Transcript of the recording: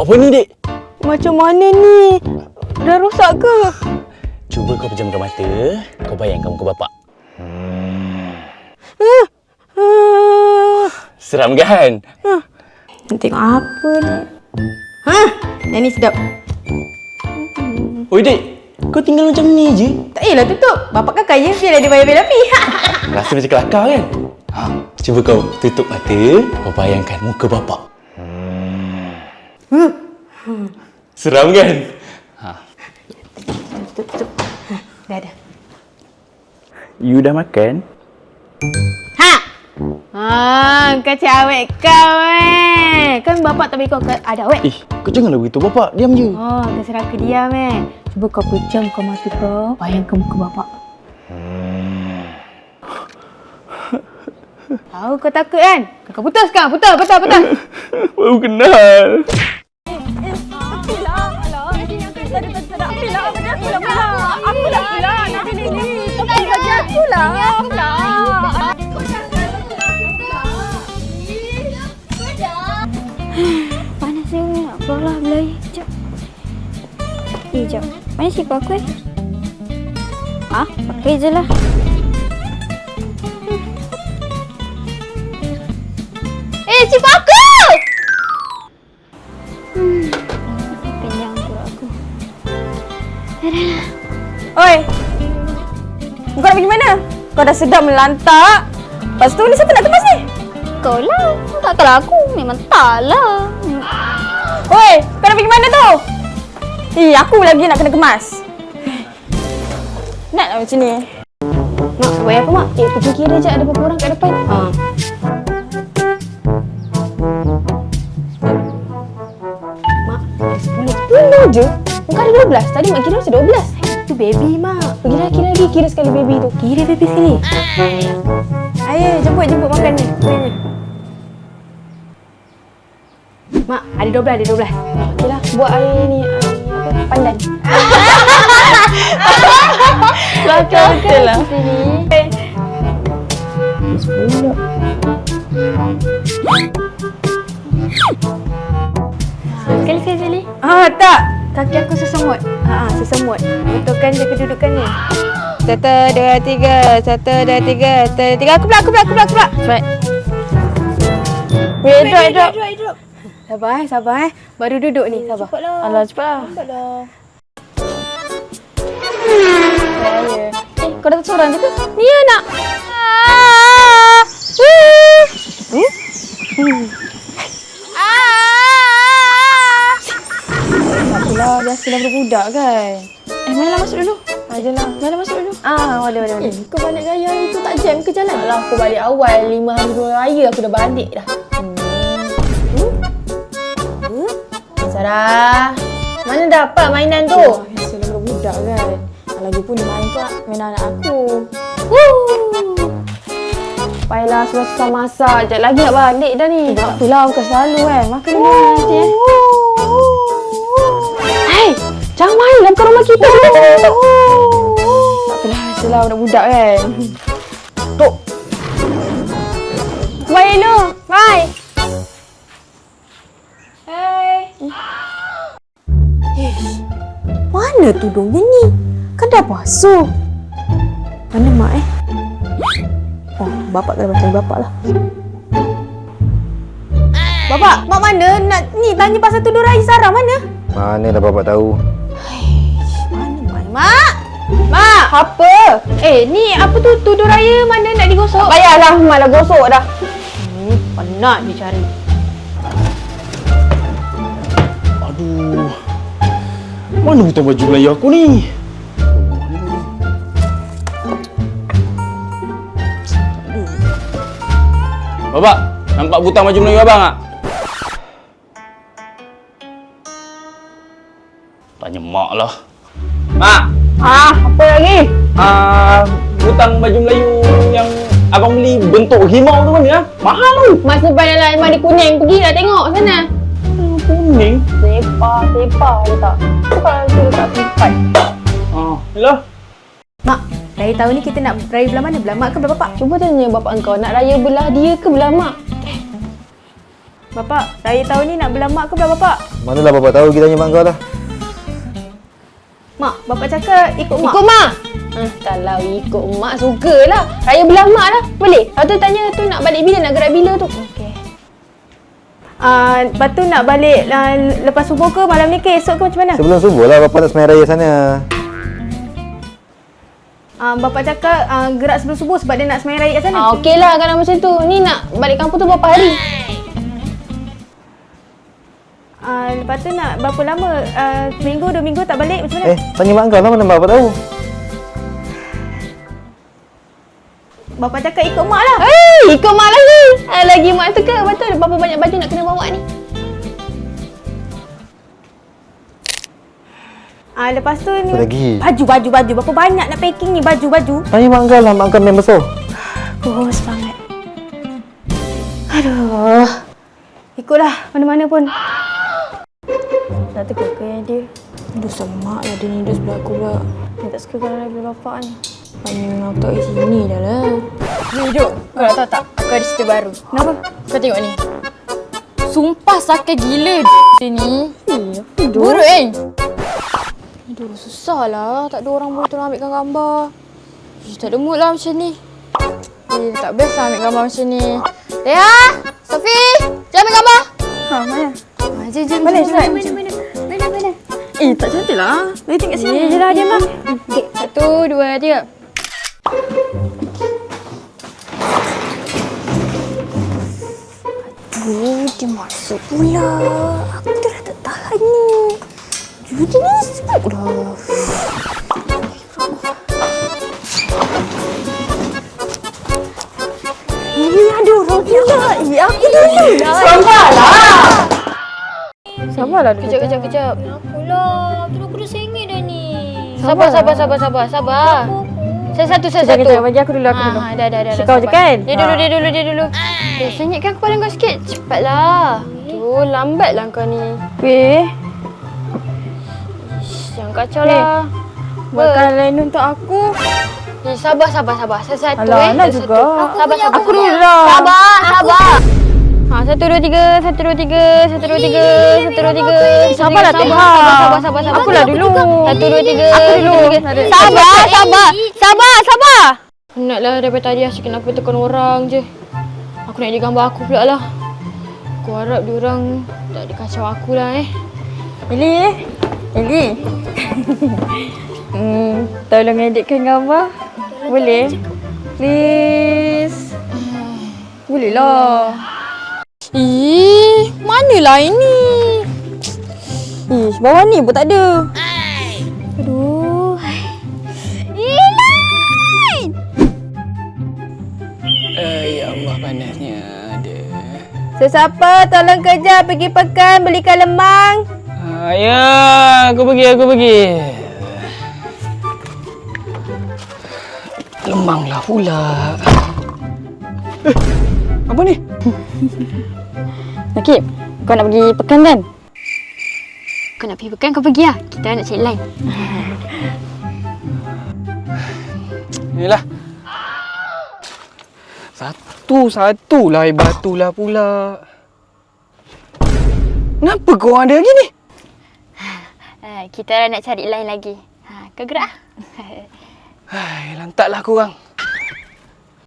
Buat apa ni, Dek? Macam mana ni? Dah rosak ke? Cuba kau pejamkan mata. Kau bayangkan muka bapak. Seram kan? Nak tengok apa ni? Yang ni sedap. Oi, Dek. Kau tinggal macam ni je? Tak payahlah tutup. Bapak kan kaya, biarlah dia bayar bil api. Rasa macam kelakar kan? Cuba kau tutup mata. Kau bayangkan muka bapak. Seram kan? Tutup. Dah. You dah makan? Kau cawek kau Kan bapak tak bagi kau ada awet. Kau janganlah beritahu bapak. Diam je. Terserah ke diam Cuba kau pejamkan mata kau. Bayangkan muka bapak. Tahu kau takut kan? Kau putus kan? Putus. Baru kenal. Panas ni, nak keluar lah belai. Sekejap. Sekejap. Mana sipar aku pakai je lah. Sipar aku! Panjang pula aku. Oi! Kau nak pergi mana? Kau dah sedap melantak. Lepas tu ni siapa nak kemas ni? Kau lah. Takkanlah aku. Memang tak lah. Oi! Kau nak pergi mana tu? Aku lagi nak kena kemas. Naklah macam ni. Mak, buat apa mak? Pergi kira je ada berapa orang kat depan. Mak, 10 je? Bukan ada 12. Tadi mak kira macam 12. Itu baby mak. Pergilah kira lagi. Kira sekali baby tu. Kira baby sekali. Ayo, jemput makan ni. Mak, ada 12. Okeylah, buat air ni pandan. Betul lah. Sepuluh. Sekali. Tak. Kaki aku sesemut. Sesemut. Betulkan je kedudukan ni. 1, 2, 3. 1, 2, 3. 3. Aku pula. Cepat. Drop. Sabar. Baru duduk ni, sabar. Cepatlah. Alah, cepatlah. Kau dah seorang je ke? Ni anak. Takpelah, biasalah budak kan. Mana masuk dulu? Ajalah. Mana masuk dulu? Boleh. Kau balik raya itu tak jam ke jalan? Alah, aku balik awal 5 hari 2 raya aku dah balik dah. Sarah, mana dapat mainan tu? Biasalah budak kan. Lagipun dia main tu mainan anak aku. Payahlah susah masak. Sekejap lagi nak balik dah ni. Tak apalah, bukan selalu kan. Makan dulu nanti Hei, jangan main dalam rumah kita. Tak apalah, biasalah budak-budak kan. Tok. Bye dulu. Bye. Mana tudungnya ni? Kan dah basuh. Mana mak bapak kena bantu bapak lah. Bapak, mak mana? Nak ni tanya pasal tudung raya Sarah mana? Mana dah bapak tahu? Mana mak? Mak, apa? Ni apa tu tudung raya mana nak digosok? Tak payahlah, mak dah gosok dah. Penat dia cari. Aduh. Mana hutang baju Melayu aku ni? Bapak, nampak butang baju Melayu abang tak? Tanya mak lah. Mak! Apa lagi? Butang baju Melayu yang abang beli bentuk himau tu mana? Mahal tu. Mak simpan dalam almari kuning. Pergilah tengok sana. Kuning? Sepa je tak? Tu kalau tu tak simpan. Yalah. Mak, raya tahun ni kita nak raya belah mana? Belah mak ke belah bapak? Cuba tanya bapak engkau nak raya belah dia ke belah mak? Bapak, raya tahun ni nak belah mak ke belah bapak? Manalah bapak tahu, kita tanya mak kau lah. Mak, bapak cakap ikut mak. Ikut mak. Kalau ikut mak sukalah. Raya belah mak lah. Boleh? Lepas tu tanya tu nak balik bila, nak gerak bila tu. Okey. Lepas tu nak balik lepas subuh ke malam ni ke esok ke macam mana? Sebelum subuh lah bapak nak semai raya sana. Bapak cakap gerak sebelum subuh sebab dia nak sembahyang raya kat sana. Okey lah kalau macam tu. Ni nak balik kampung tu berapa hari? Lepas tu nak berapa lama? Seminggu, 2 minggu tak balik macam mana? Tanya mak kau lah, mana bapak tahu. Bapak cakap ikut mak lah. Ikut mak lagi. Lagi mak tu ke? Betul. Berapa banyak baju nak kena bawa ni? Lepas tu ni Lagi. baju. Berapa banyak nak packing ni baju. Tanya mak kau lah, mak kau member so. Bos banget. Aduh. Ikutlah mana-mana pun. Dah teka ke yang dia? Aduh semak lah dia ni duduk sebelah aku pula. Dia tak suka kalau belah bapak ni. Banyak aku tak kat sini dah lah. Ni Jok. Kau nak tahu tak? Aku ada cerita baru. Kenapa? Kau tengok ni. Sumpah sakit gila dia ni. Buruk kan? Aduh susah lah. Tak ada orang boleh tolong ambilkan gambar. Tak ada mood lah macam ni. Tak best lah ambil gambar macam ni. Leah! Sofi! Jom ambil gambar! Mana? Jom. Mana? Tak cantik lah. Boleh tengok sini je lah dia mah. Okay, 1, 2, 3. Dia masuk pula. Aku dah tak tahan ni. Dia ni sebab dah. Ini ada orang pula. Aku dulu lah. Sabarlah dulu. Kejap. Apalah. Aku dah sengit dah ni. Sabar. Saya satu. Kejap, bagi aku dulu. Dah. Kau je kan? Dia dulu. Senyitkan kepala kau sikit. Cepatlah. Tu, lambatlah kau ni. Weh, Jangan kacau lah. buatkan lain untuk aku. Sabar. Saya satu Alah, nak juga. Sabar. Aku dulu lah. Sabar. 1, 2, 3. 1, 2, 3. 1, 2, 3. 1, 2, 3. Sabarlah, Teha. Sabar. Akulah dulu. 1, 2, 3. Aku dulu. Sabar. Penatlah daripada tadi asyik kenapa tekan orang je. Aku nak jadi gambar aku pula lah. Aku harap diorang tak ada kacau aku lah Eli. Tolong editkan gambar. Boleh? Please. Boleh lah. Manalah ini? Bawah ni pun tak ada. Aduh. Ya Allah, panasnya ada. Sesiapa tolong kerja pergi pekan belikan lemang. Ya, aku pergi. Lemang lah pula. Apa ni? Nakib, kau nak pergi pekan kan? Kau nak pergi pekan, kau pergi lah. Kita nak cari line. Inilah. Satu lah batu lah pula. Kenapa kau ada lagi ni? Kita nak cari line lagi. Kau gerak? Lantaklah korang.